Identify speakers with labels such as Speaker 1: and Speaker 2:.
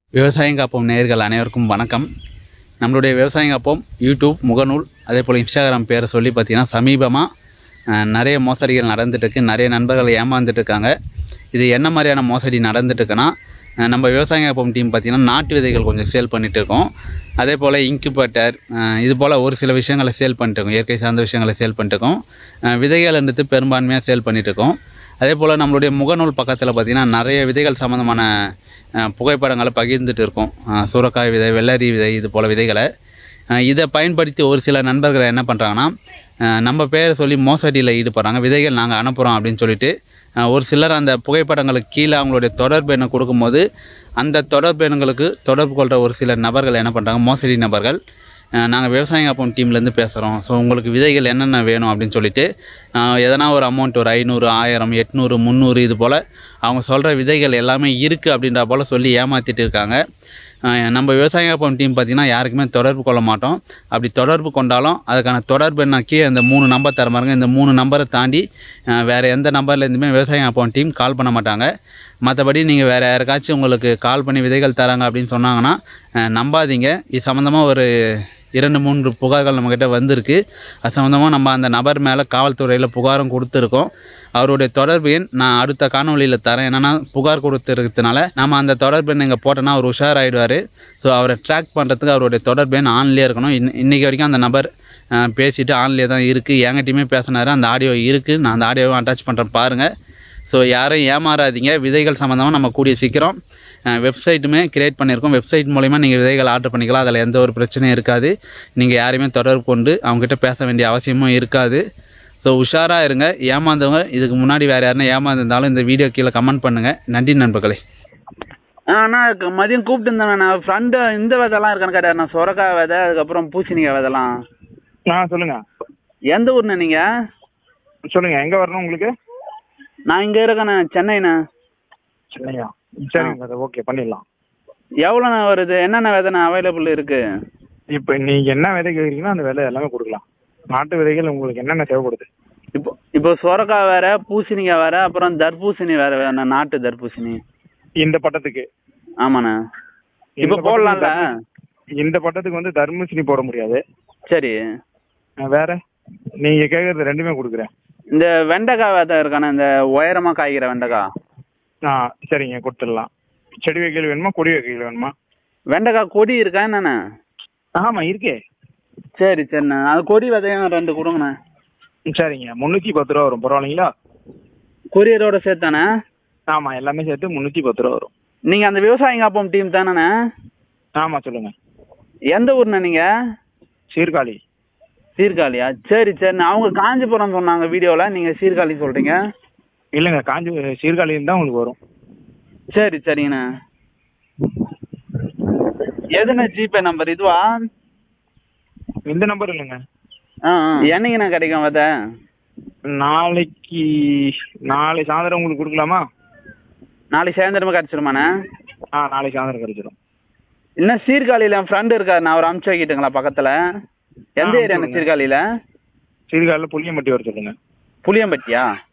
Speaker 1: விவசாயம் காப்போம் நேயர்கள் அனைவருக்கும் வணக்கம். நம்மளுடைய விவசாயம் காப்போம் யூடியூப் முகநூல் அதே போல் இன்ஸ்டாகிராம் பேரை சொல்லி பார்த்திங்கன்னா சமீபமாக நிறைய மோசடிகள் நடந்துட்டுருக்கு. நிறைய நண்பர்கள் ஏமாந்துட்டுருக்காங்க. இது என்ன மாதிரியான மோசடி நடந்துட்டுருக்குன்னா, நம்ம விவசாயம் காப்போம் டீம் பார்த்திங்கன்னா நாட்டு விதைகள் கொஞ்சம் சேல் பண்ணிகிட்டு இருக்கோம். அதே போல் இன்குபேட்டர் இது போல் ஒரு சில விஷயங்களை சேல் பண்ணிட்டுருக்கோம். இயற்கை சார்ந்த விஷயங்களை சேல் பண்ணிட்டுருக்கோம். விதைகள்ன்றது பெரும்பான்மையாக சேல் பண்ணிகிட்ருக்கோம். அதே போல் நம்மளுடைய முகநூல் பக்கத்தில் பார்த்திங்கன்னா நிறைய விதைகள் சம்மந்தமான புகைப்படங்களை பகிர்ந்துட்டு இருக்கோம். சூறக்காய் விதை, வெள்ளரி விதை, இது போல் விதைகளை இதை பயன்படுத்தி ஒரு சில நண்பர்கள் என்ன பண்ணுறாங்கன்னா, நம்ம பேரை சொல்லி மோசடியில் ஈடுபடுறாங்க. விதைகள் நாங்கள் அனுப்புகிறோம் அப்படின்னு சொல்லிட்டு ஒரு சிலர் அந்த புகைப்படங்களுக்கு கீழே அவங்களுடைய தொடர்பு எண்ணை கொடுக்கும்போது, அந்த தொடர்பு எண்களுக்கு தொடர்பு கொள்கிற ஒரு சில நபர்கள் என்ன பண்ணுறாங்க, மோசடி நபர்கள், நாங்கள் விவசாயம் காப்போம் டீம்லேருந்து பேசுகிறோம், ஸோ உங்களுக்கு விதைகள் என்னென்ன வேணும் அப்படின்னு சொல்லிட்டு எதனா ஒரு அமௌண்ட் ஒரு 500, 1000, 800, 300 இது போல் அவங்க சொல்கிற விதைகள் எல்லாமே இருக்குது அப்படின்ற போல் சொல்லி ஏமாற்றிட்டு இருக்காங்க. நம்ம விவசாயம் காப்போம் டீம் பார்த்திங்கன்னா யாருக்குமே தொடர்பு கொள்ள மாட்டோம். அப்படி தொடர்பு கொண்டாலும் அதுக்கான தொடர்பு என்னாக்கி அந்த 3 நம்பர் தர பாருங்க. இந்த 3 நம்பரை தாண்டி வேறு எந்த நம்பர்லேருந்துமே விவசாயம் காப்போம் டீம் கால் பண்ண மாட்டாங்க. மற்றபடி நீங்கள் வேறு யாருக்காச்சும் உங்களுக்கு கால் பண்ணி விதைகள் தராங்க அப்படின்னு சொன்னாங்கன்னா நம்பாதீங்க. இது சம்மந்தமாக ஒரு 2-3 புகார்கள் நம்மக்கிட்ட வந்திருக்கு. அது சம்மந்தமாக நம்ம அந்த நபர் மேலே காவல்துறையில் புகாரும் கொடுத்துருக்கோம். அவருடைய தொடர்பு எண் நான் அடுத்த காணொலியில் தரேன். என்னென்னா புகார் கொடுத்துருக்கிறதுனால நம்ம அந்த தொடர்பு எண் இங்கே போட்டோன்னா அவர் உஷாராயிடுவார். ஸோ அவரை ட்ராக் பண்ணுறதுக்கு அவருடைய தொடர்பு எண் ஆன்லேயே இருக்கணும். இன்றைக்கி வரைக்கும் அந்த நபர் பேசிவிட்டு ஆன்லேயே தான் இருக்குது. என்கிட்டையுமே பேசினார். அந்த ஆடியோ இருக்குது. நான் அந்த ஆடியோவை அட்டாச் பண்ணுறேன் பாருங்கள். ஸோ யாரும் ஏமாறாதீங்க. விதைகள் சம்மந்தமாக நம்ம கூடிய சீக்கிரம் வெப்சைட்டுமே க்ரியேட் பண்ணியிருக்கோம். வெப்சைட் மூலிமா நீங்கள் விதைகள் ஆர்டர் பண்ணிக்கலாம். அதில் எந்த ஒரு பிரச்சனையும் இருக்காது. நீங்கள் யாரையுமே தொடர்பு கொண்டு அவங்ககிட்ட பேச வேண்டிய அவசியமும் இருக்காது. ஸோ உஷாராக இருங்க. ஏமாந்தவங்க இதுக்கு முன்னாடி வேறு யாருன்னா ஏமாந்துருந்தாலும் இந்த வீடியோ கீழே கமெண்ட் பண்ணுங்கள். நன்றி நண்பர்களே.
Speaker 2: அண்ணா மதியம் கூப்பிட்டு இருந்தேன். நான் ஃப்ரெண்டு இந்த விதைலாம் இருக்கான்னு கேட்டார். நான் சொரக்காய் விதை, அதுக்கப்புறம் பூசணிக்காய் விதைலாம்.
Speaker 3: சொல்லுங்கள்.
Speaker 2: எந்த ஊர்ண்ணா நீங்கள்?
Speaker 3: சொல்லுங்கள், எங்கே வரணும் உங்களுக்கு?
Speaker 2: நான் இங்கே இருக்கேண்ணா, சென்னைண்ணா.
Speaker 3: சென்னையா? சரிங்க, அது ஓகே பண்ணிடலாம்.
Speaker 2: எவ்வளோண்ணா வருது? என்னென்ன விதைண்ணா அவைலபிள் இருக்குது?
Speaker 3: இப்போ நீங்கள் என்ன விதை கேட்குறீங்களோ அந்த விதை எல்லாமே கொடுக்கலாம். நாட்டு விதைகள் உங்களுக்கு என்னென்ன தேவைப்படுது?
Speaker 2: இப்போ சொரக்காய் வேறு, பூசணிக்காய் வேறு, அப்புறம் தர்பூசணி வேறு வேணா, நாட்டு தர்பூசணி.
Speaker 3: இந்த பட்டத்துக்கு?
Speaker 2: ஆமாண்ணா. இப்போ போடலாம்ல?
Speaker 3: இந்த பட்டத்துக்கு வந்து தர்பூசணி போட முடியாது.
Speaker 2: சரி.
Speaker 3: வேற நீங்கள் கேட்குறது ரெண்டுமே கொடுக்குறேன்.
Speaker 2: இந்த வெண்டைக்காய் விதை இருக்காண்ணா, இந்த உயரமாக காய்கிற வெண்டைக்காய்?
Speaker 3: சரிங்க, கொடுத்துடலாம். செடி வைக்கல் வேணுமா, கொடி வைக்கல் வேணுமா?
Speaker 2: வெண்டைக்காய் கொடி இருக்கா என்னண்ணா?
Speaker 3: ஆமாம் இருக்கே.
Speaker 2: சரி சரிண்ணா, அது கொடி விதையும் 2 கொடுங்கண்ணா.
Speaker 3: சரிங்க, 310 ரூபா வரும். பரவாயில்லைங்களா?
Speaker 2: கொரியரோட சேர்த்தானே?
Speaker 3: ஆமாம், எல்லாமே சேர்த்து 310 ரூபா வரும்.
Speaker 2: நீங்கள் அந்த விவசாயம் காப்போம் டீம் தானேண்ணா?
Speaker 3: ஆமாம் சொல்லுங்கள்.
Speaker 2: எந்த ஊர்ண்ணா நீங்கள்?
Speaker 3: சீர்காழி.
Speaker 2: சீர்காழியா? சரி சரிண்ணா. அவங்க காஞ்சிபுரம் சொன்னாங்க வீடியோவில், நீங்கள் சீர்காழி சொல்கிறீங்க.
Speaker 3: இல்லைங்க, சீர்காழின்னு தான் உங்களுக்கு வரும்.
Speaker 2: சரி சரிங்கண்ணா. எதுண்ணா ஜிபே நம்பர் இதுவா?
Speaker 3: இந்த நம்பர் இல்லைங்க.
Speaker 2: என்னைக்குண்ணா கிடைக்கும் விதை?
Speaker 3: நாளை சாயந்தரம் உங்களுக்கு கொடுக்கலாமா?
Speaker 2: நாளைக்கு சாயந்தரமா கிடச்சிருமாண்ணா?
Speaker 3: நாளைக்கு சாயந்தரம் கிடச்சிரும்.
Speaker 2: இன்னும் சீர்காழியில் என் ஃப்ரெண்டு இருக்கார், நான் அவர் அனுப்பிச்சு வைக்கிட்டுங்களா பக்கத்தில்? எந்த ஏரியாண்ணா சீர்காழியில்?
Speaker 3: சீர்காழியில் புளியம்பட்டி வர சொல்லுங்கள்.
Speaker 2: புளியம்பட்டியா?